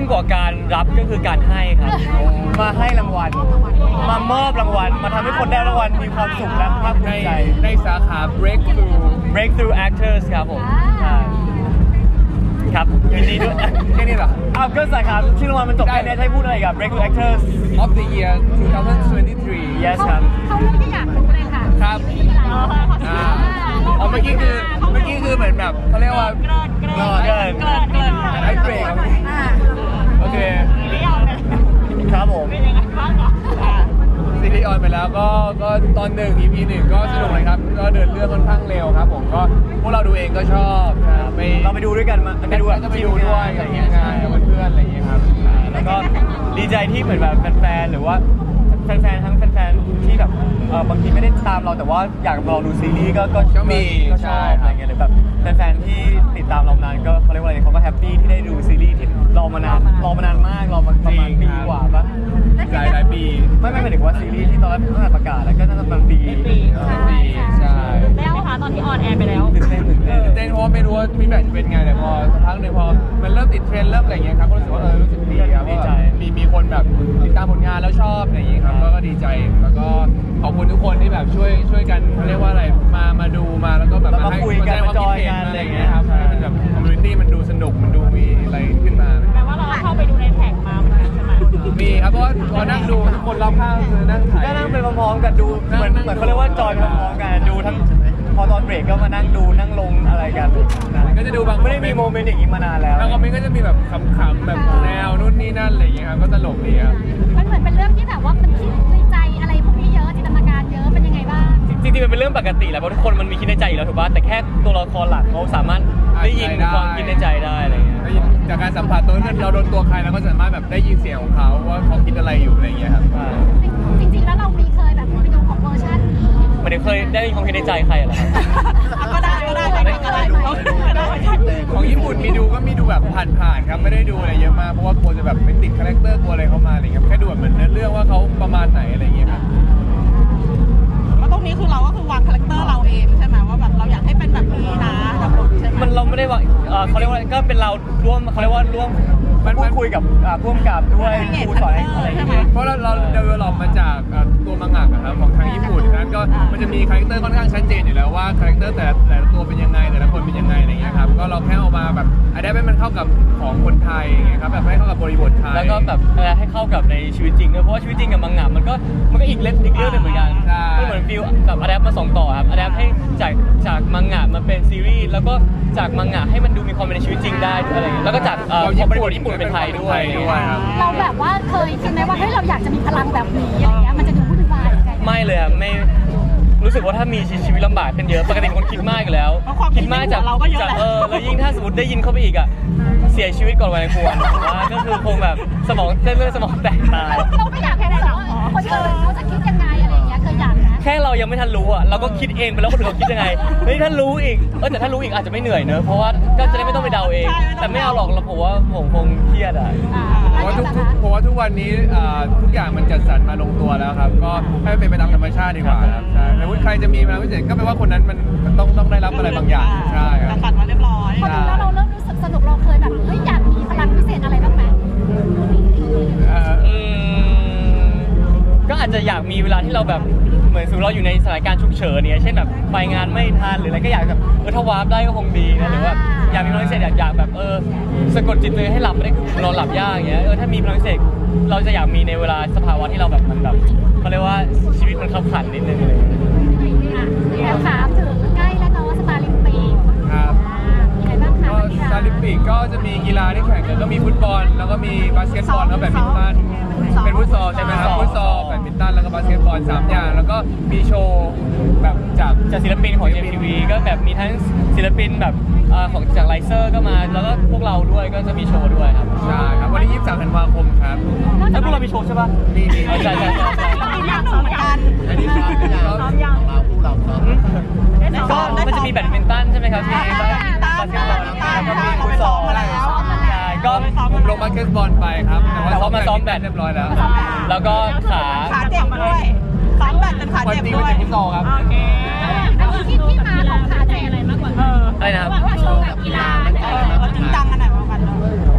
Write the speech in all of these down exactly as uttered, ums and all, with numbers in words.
งกว่าการรับก็คือการให้ครับมาให้รางวัลมามอบรางวัลมาทำให้คนได้รางวัลมีความสุขและภาคภูในมิใจในสาขา breakthrough breakthrough actors ครับผมใช่ครับยินดีด้วยแค่นี้เหรออ้าวก็สาขาชื่อรางวัลมันจบแค่นี้ให้พูดอะไรกับ breakthrough actors of the year twenty twenty-three yes ครับเขาเรื่องที่อยากรู้เลยค่ะครับไม่มีอะไรอ่าอ๋อเมื่อกี้คือเมื่อกี้คือเหมือนแบบเขาเรียกว่าเกินเกินเกินเกินไอ้เบรกครับอ่าโอเคครับผมซีรีส์ออนไปแล้วก็ก็ตอนหนึ่ง อี พี หนึ่งก็สนุกเลยครับก็เดินเรื่องค่อนข้างเร็วครับผมก็พวกเราดูเองก็ชอบนะครับไปเราไปดูด้วยกันมาไปดูก็ไปดูด้วยกับทีมงานกับเพื่อนๆอะไรอย่างเงี้ยครับแล้วก็ดีใจที่เหมือนแบบแฟนๆหรือว่าแฟนๆทั้งแฟนๆที่แบบเออบางทีไม่ได้ตามเราแต่ว่าอยากรอดูซีรีส์ก็ก็ก็มีก็ชใช่อบอะไรเงี้ยหรือแบบแฟนๆที่ติดตามเรานานก็เขาเรียกว่าอะไรเขาก็แฮปปี้ที่ได้ดูซีรีส์ที่รอมานานรอมานานมากรอมาประมาณปีกว่าปะหลายหลายปีไม่ไม่หมายถึงว่าซีรีส์ที่ตอนแรกตั้งแต่ประกาศแล้วก็น่าจะประมาณปีเออปีใช่แล้วค่ะตอนที่ออนแอร์ไปแล้วตื่นเต้นตื่นเต้นเต้นเพราะว่าไม่รู้ว่าฟีดแบ็กจะเป็นไงแต่พอสักพักหนึ่งพอมันเริ่มติดเทรนด์เริ่มอะไรอย่างเงี้ยครับก็รู้สึกว่าเออรู้สึกดีครับว่าแบบมีมีคนแบบติดตามผลงานแล้วชอบอะไรอย่างเงี้ยครับก็ก็ดีใจแล้วก็ขอบคุณทุกคนที่แบบช่วยช่วยกันเขาเรียกว่าอะไรมามาดูมาแล้วก็แบบแล้วมาคุยกันแสดงความคิดเห็นมาจอยกันอะไรอย่างเงี้ยครับให้มันแบบคอมมูนิตี้มันดูสนุกมันดูมีอะไรขึ้นมาแปลว่าเราเข้าไปดูในแท็กมาเหมือนกันใช่ไหมมีครับเพราะว่าพอนั่งดูทุกคนรอบข้างคือนั่งถ่ายก็นั่งไปพร้อมๆกันดูเหมือนเหมือนเขาเรียกว่าจอยไปพร้อมๆกันดูทั้งพอตอนเบรกก็มานั่งดูนั่งลงอะไรกันนะก็จะดูบางไม่ได้มีโมเมนต์อย่างนี้มานานแล้วแล้วคอมเมนต์ก็จะมีแบบขำๆแบบแนวนู่นนี่นั่นอะไรอย่างเงี้ยครับก็ตลกดีครับมันเหมือนเป็นเรื่องที่แบบว่ามันคิดในใจอะไรพวกนี้เยอะจินตนาการเยอะเป็นยังไงบ้างจริงๆมันเป็นเรื่องปกติแหละเพราะทุกคนมันมีคิดในใจอยู่แล้วถูกป่ะแต่แค่ตัวละครหลักเขาสามารถได้ยินความคิดในใจได้อะไรเงี้ยได้ยินจากการสัมผัสตัวนั้นเราโดนตัวใครเราก็สามารถแบบได้ยินเสียงของเขาว่าเขาคิดอะไรอยู่อะไรอย่างเงี้ยครับจริงๆแล้วเรามีเคยแบบไปดูของเวอร์ชันมันเคยได้ยินความคิดในใจใครเหรอครับก็ได้ก็ได้ก็ได้ก็ได้ของญี่ปุ่นมีดูก็มีดูแบบผ่านๆครับไม่ได้ดูอะไรเยอะมากเพราะว่ากลัวจะแบบไปติดคาแรคเตอร์กลัวอะไรเข้ามาอะไรเงี้ยแค่ดูแบบเหมือนเนื้อเรื่องว่าเขาประมาณไหนอะไรอย่างเงี้ยครับแล้วตรงนี้คือเราก็คือวางคาแรคเตอร์เราเองใช่ไหมว่าแบบเราอยากให้เป็นแบบนี้นะแบบใช่ไหมมันเราไม่ได้ว่าเอ่อเขาเรียกว่าก็เป็นเราร่วมเขาเรียกว่าร่วมมันพูดคุยกับอ่าผู้กำกับด้วยครูสอนอะไรอย่างเงี้ยเพราะเราเราเดเวลลอปมาจากเอ่อตัวมังงะนะครับของทางญี่ปุ่นนั้นก็มันจะมีคาแรคเตอร์ค่อนข้างชัดเจนอยู่แล้วว่าคาแรคเตอร์แต่ละแต่ละตัวเป็นยังไงแต่ละคนเป็นยังไงอะไรเงี้ยครับก็เราแค่เอามาแบบอันนี้ให้มันเข้ากับของคนไทยอย่างเงี้ยครับแบบให้เข้ากับบริบทไทยแล้วก็แบบเอ่อให้เข้ากับในชีวิตจริงด้วยเพราะว่าชีวิตจริงกับมังงะมันก็มันก็อีกเล่มอีกเรื่องหนึงเหมือนกันใช่มันเหมือนฟิลแบบอะแดปมาส่งต่อครับอะแดปให้จากจากมังงะมาเป็นซีรีส์แล้วก็จากมังงะให้มันดูมีความเป็นในชีวิตจริงได้อะไรอย่างเงี้ยแล้วก็จากเอ่อของบริบทญี่ปุ่นเป็นไทยด้วยด้วยครับเราแบบว่าเคยคิดไหมว่าเฮ้ยเราอยากจะมีพลังแบบนี้อะไรเงี้ยมันจะดูวุ่นวายยังไงไม่เลยอะไม่รู้สึกว่าถ้ามีชีวิตลำบากขึ้นเยอะปกติเป็นคนคิดมากอยู่แล้วเพราะความคิดมากจากเราก็เยอะจากแหละเออแล้วยิ่งถ้าสมมติได้ยินเข้าไปอีกอะเสียชีวิตก่อนวัยควรผมว่าก็คือคงแบบสมองเส้นเลือดสมองแตกตายเราไม่อยากแค่ไหนหรอกคนอื่นเขาจะคิดยังไงอะไรเงี้ยเคยอยากนะแค่เรายังไม่ทันรู้อ่ะเราก็คิดเองไปแล้วคนอื่นเขาคิดยังไงเฮ้ยถ้ารู้อีกเออแต่ถ้ารู้อีกอาจจะไม่เหนื่อยเนอะเพราะว่าก็จะได้ไม่ต้องไปเดาเอง แต่ไม่เอาหรอกเราผมว่าผมคงเครียดอ่ะเพราะว่าทุกๆเพราะว่าทุกวันนี้อ่าทุกอย่างมันจัดสรรมาลงตัวแล้วครับก็ให้มันเป็นไปตามธรรมชาติดีกว่าครับใช่แต่ว่าใครจะมีพลังพิเศษก็แปลว่าคนนั้นมันมันต้องต้องได้รับอะไรบางอย่างใช่ครับตัดมาเรียบร้อยพอดูแล้วเราเริ่มรู้สึกสนุกเราเคยแบบเฮ้ยอยากมีพลังพิเศษอะไรบ้างไหมเอ่ออืมก็อาจจะอยากมีเวลาที่เราแบบเหมือนสมมติเราอยู่ในสถานการณ์ฉุกเฉินเนี่ยเช่นแบบไปงานไม่ทันหรืออะไรก็อยากแบบเออถ้าวาร์ปได้ก็คงดีนะหรือว่าอยากมีพลังพิเศษอยากอยากแบบเออสะกดจิตตัวเองให้หลับไม่ได้คือนอนหลับยากอย่างเงี้ยเออถ้ามีพลังพิเศษเราจะอยากมีในเวลาสภาวะที่เราแบบมันแบบเขาเรียกว่าชีวิตมันขับขันนิดนึงเลยแล้วถามถึงใกล้แล้วเนาะสตาร์ลิมปิกครับมีอะไรบ้างคะก็ซาลิมปิกก็จะมีกีฬาที่แข่งกันก็มีฟุตบอลแล้วก็มีบาสเกตบอลแล้วแบดมินตันเป็นฟุตซอลใช่ไหมครับฟุตซอลแบดมินตันแล้วก็บาสเกตบอลสามอย่างแล้วก็มีโชว์แบบจากจากศิลปินของ เอ็ม ที วี ก็แบบมีทั้งศิลปินแบบเอ่อของจากไลเซอร์ก็มาแล้วก็พวกเราด้วยก็จะมีโชว์ด้วยครับใช่ครับวันที่ยี่สิบสามธันวาคมครับแล้วพวกเรามีโชว์ใช่ปะมีมีเอาใช่ใช่ใช่ใช่เราอีกอย่างหนึ่งเหมือนกันอันนี้ซ้อมยังซ้อมยังก็มันจะมีแบดมินตันใช่ไหมครับที่บาสเกตบอลแล้วก็มีฟุตซอลใช่ก็ผมลงบาสเกตบอลไปครับแต่ว่ามาซ้อมแบดเรียบร้อยแล้วแล้วก็ขาขาเจ็บด้วยซ้อมแบดจนขาวันเจ็บจริงด้มันวยจะฟุตซอลครับโอเคอันนี้ที่ที่มาของขาใจอะไรมากกว่าเอออะไรนะครับว่าโชว์แบบกีฬาเออเราจริงจังกันหน่อยว่ากันเนอะวันนี้ดีใจ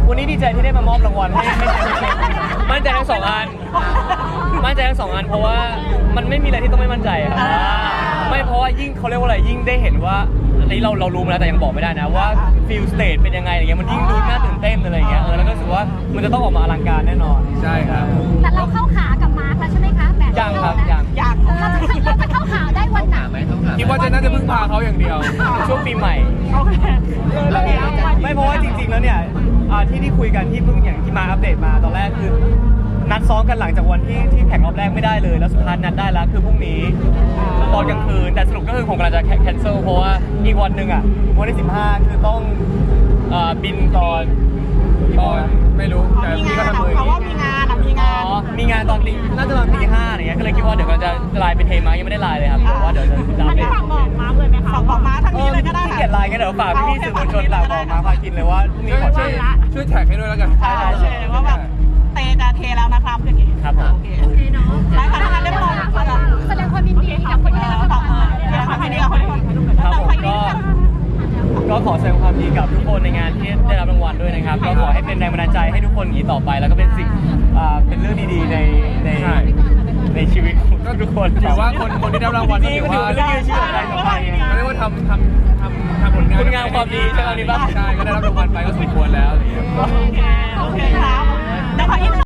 ใจที่ได้มามอบรางวัลให้ให้มั่นใจทั้งสองอันมั่นใจทั้งสองอันเพราะว่ามันไม่มีอะไรที่ต้องไม่มั่นใจครับไม่เพราะว่ายิ่งเขาเรียกว่าอะไรยิ่งได้เห็นว่าอันนี้เราเรารู้มาแล้วแต่ยังบอกไม่ได้นะว่าฟิลสเตจเป็นยังไงอะไรเงี้ยมันยิ่งดูน่าตื่นเต้นอะไรเงี้ยเออแล้วก็รู้สึกว่ามันจะต้องออกมาอลังการแน่นอนใช่ครับแต่เราเข้าขากับมาร์คแล้วใช่ไหมคะแบบยังครับยังอยากเออเราจะเราจะเข้าขาได้วันไหนคิดว่าจะน่าจะพึ่งพาเขาอย่างเดียวช่วงปีใหม่โอเคแล้วเนี่ยไม่เพราะว่าจริงๆแล้วเนี่ยอ่าที่ที่คุยกันที่เพิ่งอย่างที่มาอัปเดตมาตอนแรกคือนัดซ้อมกันหลังจากวันที่ที่แข่งรอบแรกไม่ได้เลยแล้วสุดท้ายนัดได้แล้วคือพรุ่งนี้ตอนกลางคืนแต่สรุปก็คือผมกำลังจะแคนเซิลเพราะว่าอีกวันหนึ่งอ่ะวันที่สิบห้าคือต้องอ่าบินตอนตอนไม่รู้แต่มีพี่งาก็นทำมือเขาว่ามีงานอะมีอ๋งานอมีงานตอนตีน่าจะตอนตีห้าอะไรเงี้ยก็เลยคิดว่าเดี๋ยวกำลังจะไลน์ไปเทมายังไม่ได้ไลน์เลยครับเพราะว่าเดี๋ยวจะจะอัปเดตฝากบอกมาเลยไหมคะฝากบอกมาทางนี้เลยก็ได้ขี้ค่ะเกียจไลน์กันเดี๋ยวฝากพี่ๆสื่อมวลชนฝากบอกมาพากินเลยว่าพรุ่งนี้ช่วยขอช่วยเชิญช่วยแท็กให้ด้วยแล้วกันใช่โอเคว่าแบบเตจะเทแล้วนะครับอย่างงี้ครับผมโอเคโอเคเนาะได้ค่ะถ้างั้นเรียบร้อยแล้วค่ะแสดงความยินดีกับคนที่ได้รับรางวัลเดี๋ยวทำให้ดีกับคนที่ครับผมก็ก็ขอแสดงความยินดีกับทุกคนในงานที่ได้รับรางวัลด้วยนะครับก็ขอให้เป็นแรงบันดาลใจให้ทุกคนอย่างนี้ต่อไป แล้วก็เป็นสิ่งอ่าเป็นเรื่องดีๆในในใช่ในชีวิตของทุกคนถือว่าคนคนที่ได้รับรางวัลจริงๆก็ถือเป็นเรื่องยืนชื่ออะไรต่อไปไงเขาเรียกว่าทำทำทำทำผลงานคุณงามความดีใช่ไหมนี่ปะใช่ก็ได้รับรางวัลไปก็สมควรแล้วอะไรอย่างเงี้ยโอเคโอเคครับเดี๋ยวขออีก